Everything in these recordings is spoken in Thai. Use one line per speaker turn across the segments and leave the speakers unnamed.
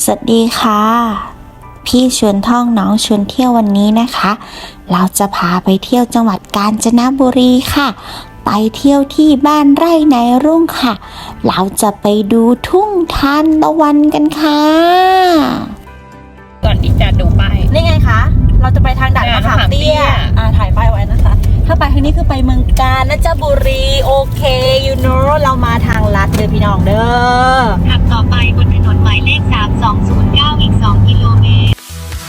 สวัสดีค่ะพี่ชวนท่องน้องชวนเที่ยววันนี้นะคะเราจะพาไปเที่ยวจังหวัดกาญจนบุรีค่ะไปเที่ยวที่บ้านไร่ในรุ่งค่ะเราจะไปดูทุ่งทานตะวันกันค่ะ
ก่อนที่จะดูป้าย
นี่ไงคะเราจะไปทางด่านมะขามเตี้ยถ่ายป้ายไว้นะคะถ้าไปทางนี้คือไปเมืองกาญจนบุรีโอเคyou know เรามาทางลัดเด้อพี่น้องเด้อ
ขับต่อไปบนถนนหมายเลข3209อีก2กิโลเมตร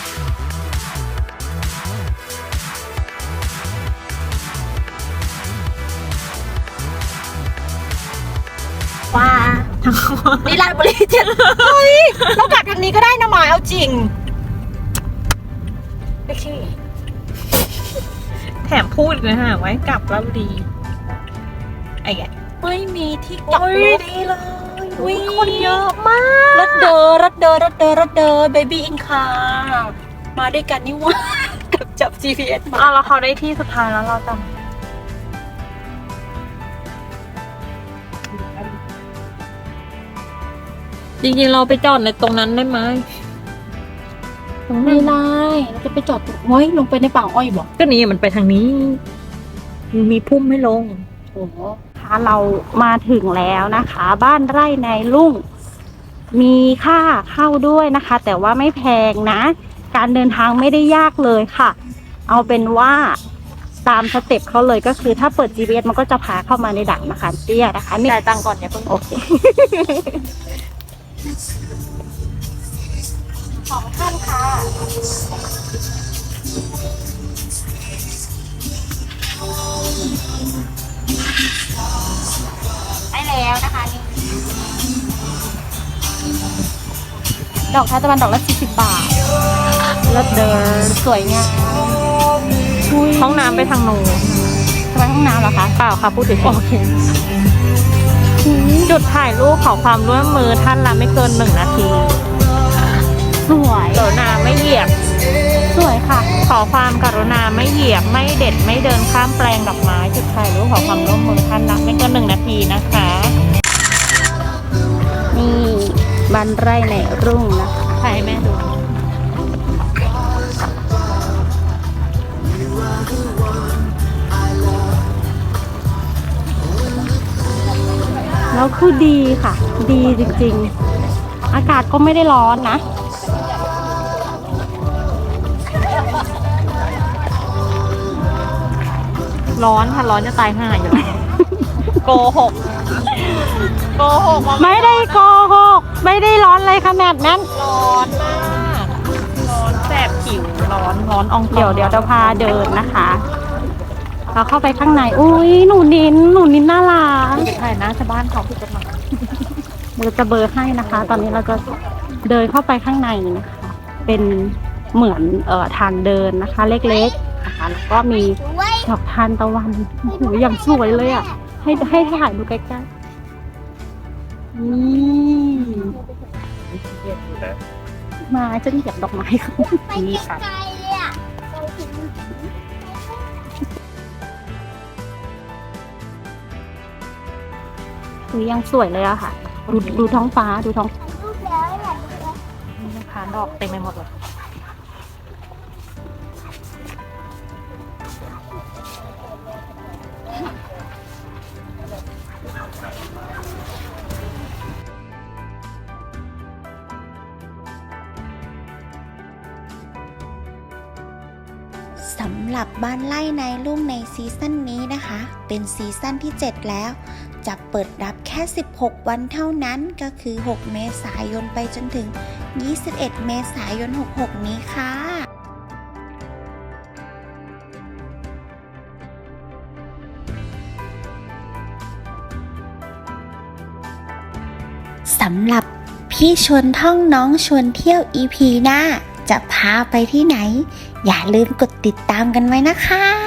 ว่านี่ราชบุรีเจ็ดเฮ้ยเรากลับทางนี้ก็ได้นะหมายเอาจริงโอเค
แถมพูดเลยฮะไว้กลับแล้วดีไอ้แก
ไม่มีที่กลับรถดีเลย
คนเยอะมาก
รถเดอเบบี้อินคามาด้วยกันนี่ว่ากับจับ GPS มา
แล้วเขาได้ที่สุดท้ายแล้วเราจำจริงๆเราไปจอดในตรงนั้นได้ไหม
ไม่ได้เราจะไปจอดตรงไว้ลงไปในป่าอ้อยบอก
ก็นี่มันไปทางนี้มีพุ่มให้ลง
โอ้ค่ะเรามาถึงแล้วนะคะ บ้านไร่ในรุ่งมีค่าเข้าด้วยนะคะ แต่ว่าไม่แพงนะการเดินทางไม่ได้ยากเลยค่ะเอาเป็นว่าตามสเต็ปเขาเลยก็คือถ้าเปิด GPS มันก็จะพาเข้ามาในด่านมะขามเตี้ยนะคะ
จ่ายตังค์ก่อนเนี่ยเพิ่ง
โอเคของท่านค่ะได้แล้วนะคะนี่ดอกทานตะวันดอกละ40 บาทเลิศเดินสวยงาม
ห้องน้ำไปทางโน้น
ไปห้องน้ำเหรอคะ
เปล่าค่ะพูดถึงโอเคจุดถ่ายรูปขอความร่วมมือท่านละไม่เกิน1 นาที
สวย
กรุณาไม่เหยียบ
สวยค่ะ
ขอความกรุณาไม่เหยียบไม่เด็ดไม่เดินข้ามแปลงดอกไม้จุดถ่ายรูปขอความร่วมมือท่านละไม่เกิน1 นาทีนะคะ
นี่บ้านไร่ในรุ่งนะคะ
ถ่ายให้แม่ดู
แล้วคือดีค่ะดีจริงๆอากาศก็ไม่ได้ร้อนนะ
ร้อนค่ะร้อนจะตายห่าอยู่โกหก
ไม่ได้โกหกไม่ได้ร้อนเลยขนาดนั้น
ร้อนมากร้อนแสบผิวร้อนอ่อง
เดี๋ยวจะพาเดินนะคะเราเข้าไปข้างในอุ้ยหนูนินน่ารัก
ถ่ายหน้าชาวบ้านเขาผิดกฎหมาย
เราจะเบอร์ให้นะคะ ตอนนี้เราจะเดินเข้าไปข้างในนะคะเป็นเหมือนทางเดินนะคะเล็กๆนะคะแล้วก็มีดอกทานตะวันโอ้โหอย่างสวยเลยอ่ะให้ถ่ายดูใกล้ๆนี่มาจะเหยียบดอกไม้ค่ะนี่ค่ะยังสวยเลยอะค่ะดูท้องฟ้าดูท้อง
นะคะดอกเต็มไปหมดเลย
สำหรับบ้านไร่ในรุ่งในซีซั่นนี้นะคะเป็นซีซั่นที่ 7 แล้วจะเปิดรับแค่16 วันเท่านั้นก็คือ 6 เมษายนไปจนถึง 21 เมษายน 66 นี้ค่ะสำหรับพี่ชวนท่องน้องชวนเที่ยว EP หน้าจะพาไปที่ไหนอย่าลืมกดติดตามกันไว้นะคะ